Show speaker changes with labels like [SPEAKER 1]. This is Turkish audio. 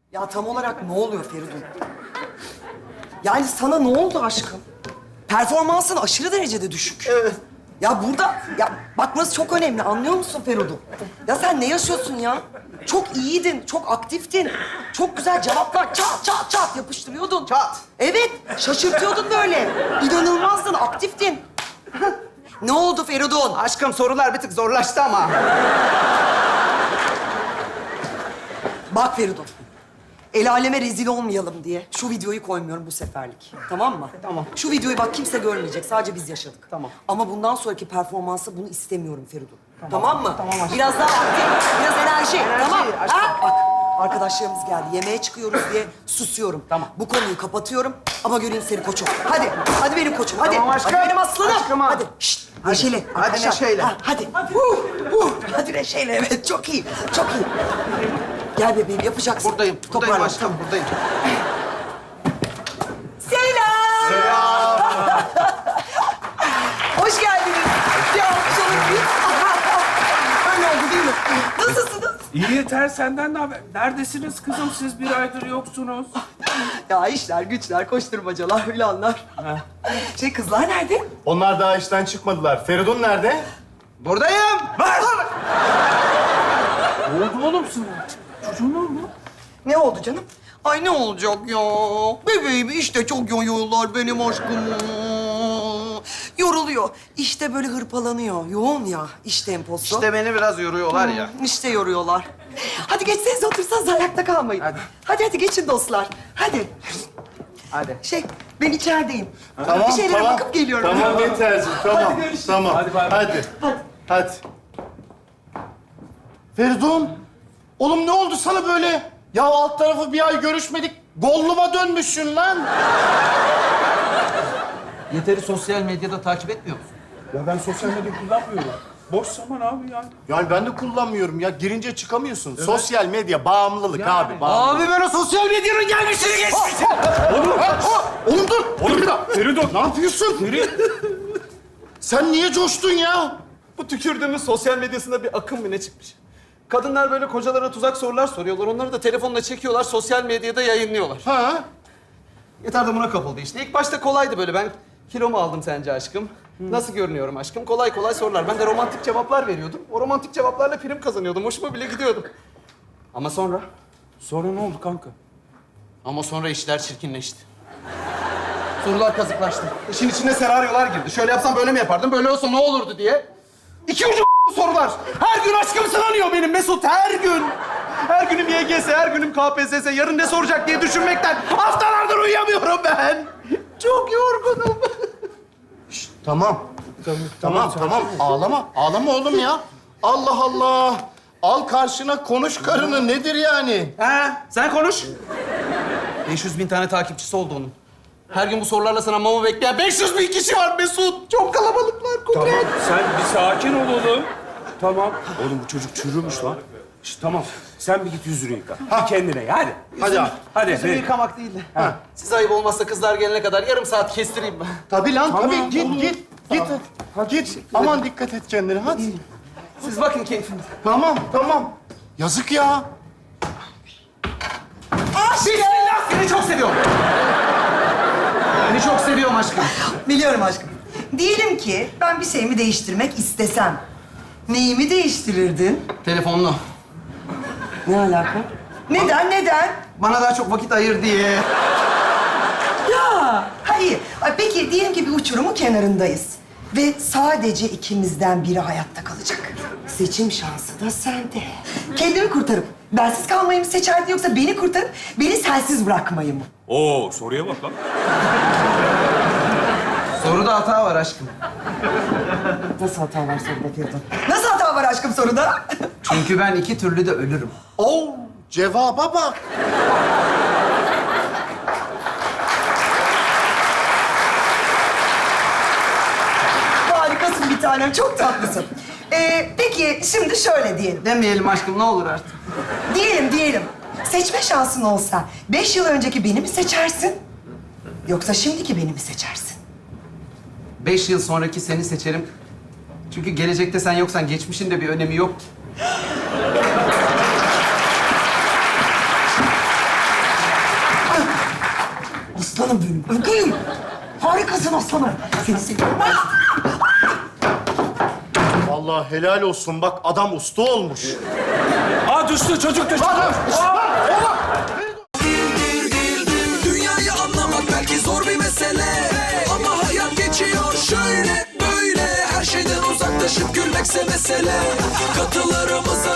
[SPEAKER 1] Ya tam olarak ne oluyor Feridun? Yani sana ne oldu aşkım? Performansın aşırı derecede düşük.
[SPEAKER 2] Evet.
[SPEAKER 1] Ya burada, ya bakması çok önemli. Anlıyor musun Feridun? Ya sen ne yaşıyorsun ya? Çok iyiydin, çok aktiftin. Çok güzel cevaplar çat çat çat yapıştırıyordun.
[SPEAKER 2] Çat.
[SPEAKER 1] Evet, şaşırtıyordun böyle. İnanılmazdın, aktiftin. Ne oldu Feridun?
[SPEAKER 2] Aşkım sorular bir tık zorlaştı ama.
[SPEAKER 1] Bak Feridun, el aleme rezil olmayalım diye şu videoyu koymuyorum bu seferlik. Tamam mı?
[SPEAKER 2] Tamam.
[SPEAKER 1] Şu videoyu bak kimse görmeyecek, sadece biz yaşadık.
[SPEAKER 2] Tamam.
[SPEAKER 1] Ama bundan sonraki performansı bunu istemiyorum Feridun. Tamam mı?
[SPEAKER 2] Tamam aşkım.
[SPEAKER 1] Biraz daha aktif, biraz enerji. Tamam.
[SPEAKER 2] aşkım.
[SPEAKER 1] Ha? Bak, arkadaşlarımız geldi. Yemeğe çıkıyoruz diye susuyorum.
[SPEAKER 2] Tamam.
[SPEAKER 1] Bu konuyu kapatıyorum ama göreyim seni koçum. Hadi, hadi benim koçum. Hadi,
[SPEAKER 2] Tamam aşkım.
[SPEAKER 1] hadi benim aslanım.
[SPEAKER 2] Aşkım ha.
[SPEAKER 1] Hadi. Şşt, neşeli.
[SPEAKER 2] Hadi
[SPEAKER 1] Arkadaşlar.
[SPEAKER 2] neşeyle.
[SPEAKER 1] Ha, hadi. Hadi neşeyle. Evet, çok iyi. Çok iyi. Gel bebeğim, yapacaksın.
[SPEAKER 2] Buradayım
[SPEAKER 1] Toparlan.
[SPEAKER 2] aşkım, buradayım.
[SPEAKER 1] Selam. Hoş geldiniz. Ya, öyle oldu değil mi? Nasılsınız?
[SPEAKER 3] İyi yeter senden de haber. Neredesiniz kızım siz bir aydır yoksunuz.
[SPEAKER 1] Ya işler, güçler, koşturmacalar, hülanlar. Kızlar nerede?
[SPEAKER 4] Onlar daha işten çıkmadılar. Feridun nerede?
[SPEAKER 2] Buradayım.
[SPEAKER 3] Ne oldu oğlum sana? Çocuğun ne oldu?
[SPEAKER 1] Ne oldu canım? Ay ne olacak ya? Bebeğim işte çok yoruyorlar benim aşkımı. Yoruluyor. İşte böyle hırpalanıyor. Yoğun ya iş temposu.
[SPEAKER 2] İşte beni biraz yoruyorlar ya.
[SPEAKER 1] İşte yoruyorlar. Hadi geçseniz otursanız ayakta kalmayın.
[SPEAKER 2] Hadi.
[SPEAKER 1] Hadi geçin dostlar. Hadi.
[SPEAKER 2] Hadi.
[SPEAKER 1] Ben içerideyim.
[SPEAKER 4] Tamam,
[SPEAKER 1] Bir şeylere
[SPEAKER 4] tamam.
[SPEAKER 1] bakıp geliyorum.
[SPEAKER 4] Tamam yeterciğim, tamam. Tamam.
[SPEAKER 3] Hadi bay bay.
[SPEAKER 4] Hadi. Feridun, oğlum ne oldu sana böyle? Ya alt tarafı bir ay görüşmedik. Golluma dönmüşsün lan.
[SPEAKER 2] Yeter'i sosyal medyada takip etmiyor musun?
[SPEAKER 3] Ya ben sosyal medya kullanmıyorum. Boş zaman abi yani.
[SPEAKER 4] Yani ben de kullanmıyorum ya. Girince çıkamıyorsun. Sosyal medya bağımlılık abi, bağımlılık.
[SPEAKER 2] Abi ben o sosyal medyanın gelmişini geçmişim.
[SPEAKER 4] Oğlum dur. Dur bir dakika.
[SPEAKER 3] Feridun.
[SPEAKER 4] Ne yapıyorsun? Sen niye coştun ya?
[SPEAKER 5] Bu tükürdüğümüz sosyal medyasında bir akım mı ne çıkmış? Kadınlar böyle kocalarına tuzak sorular soruyorlar. Onları da telefonla çekiyorlar, sosyal medyada yayınlıyorlar.
[SPEAKER 4] Ha?
[SPEAKER 5] Yeter de buna kapıldı işte. İlk başta kolaydı böyle. Ben kilomu aldım sence aşkım? Nasıl görünüyorum aşkım? Kolay kolay sorular. Ben de romantik cevaplar veriyordum. O romantik cevaplarla prim kazanıyordum. Hoşuma bile gidiyordum. Ama sonra?
[SPEAKER 3] Sonra ne oldu kanka?
[SPEAKER 5] Ama sonra işler çirkinleşti. Sorular kazıklaştı. İşin içine senaryolar girdi. Şöyle yapsam böyle mi yapardım? Böyle olsa ne olurdu diye. İki ucu sorular. Her gün aşkım sınanıyor benim Mesut. Her gün. Her günüm YGS, her günüm KPSS. Yarın ne soracak diye düşünmekten haftalardır uyuyamıyorum ben. Çok yorgunum.
[SPEAKER 4] Tamam. Tamam. Ağlama. Ağlama oğlum ya. Allah Allah. Al karşına konuş karını. Nedir yani?
[SPEAKER 5] He, sen konuş. 500 bin tane takipçisi oldu onun. Her gün bu sorularla sınanmamı bekleyen 500 bin kişi var Mesut. Çok kalabalıklar Kudret.
[SPEAKER 3] Tamam sen bir sakin ol oğlum. Tamam. Oğlum bu çocuk çürümüş lan. Tamam. Sen bir git yüzünü yıka. Bir kendine hadi.
[SPEAKER 4] Hadi abi.
[SPEAKER 3] Hadi.
[SPEAKER 5] Yüzümü yıkamak değil de. Siz ayıp olmazsa kızlar gelene kadar yarım saat kestireyim ben.
[SPEAKER 4] Tabii lan
[SPEAKER 3] Tamam,
[SPEAKER 4] tabii. Git
[SPEAKER 3] olur.
[SPEAKER 4] git. Git. Git. Aman dikkat et kendine hadi.
[SPEAKER 5] Siz bakın keyfinize.
[SPEAKER 4] Tamam. Yazık ya.
[SPEAKER 5] Bismillah seni çok seviyorum. Seni çok seviyorum aşkım.
[SPEAKER 1] Biliyorum aşkım. Diyelim ki ben bir şeyimi değiştirmek istesem. Neyimi değiştirirdin?
[SPEAKER 5] Telefonlu.
[SPEAKER 1] Ne alaka? Neden?
[SPEAKER 5] Bana daha çok vakit ayır diye.
[SPEAKER 1] Ya, hayır. Ay, peki diyelim ki bir uçurumun kenarındayız. Ve sadece ikimizden biri hayatta kalacak. Seçim şansı da sende. Kendimi kurtarıp bensiz kalmayı mı seçerdin yoksa beni kurtarıp beni sensiz bırakmayı mı?
[SPEAKER 3] Oo soruya bak lan.
[SPEAKER 5] Soruda hata var aşkım.
[SPEAKER 1] Nasıl hata var soruda Feridun? Nasıl hata var aşkım soruda?
[SPEAKER 5] Çünkü ben iki türlü de ölürüm.
[SPEAKER 4] Oo, cevaba bak.
[SPEAKER 1] Harikasın bir tanem, çok tatlısın. Peki şimdi şöyle diyelim.
[SPEAKER 5] Demeyelim aşkım ne olur artık.
[SPEAKER 1] Diyelim. Seçme şansın olsa 5 yıl önceki beni mi seçersin? Yoksa şimdiki beni mi seçersin?
[SPEAKER 5] 5 yıl sonraki seni seçerim. Çünkü gelecekte sen yoksan geçmişin de bir önemi yok.
[SPEAKER 1] Aslanım benim, ögeyim. Harikasın aslanım. Seni seviyorum.
[SPEAKER 4] Vallahi helal olsun. Bak adam usta olmuş.
[SPEAKER 3] Aa düştü, çocuk düştü.
[SPEAKER 6] Dünyayı anlamak belki zor bir mesele, ama hayat geçiyor şöyle böyle. Her şeyden uzaklaşıp gülmekse mesele. Katılarımıza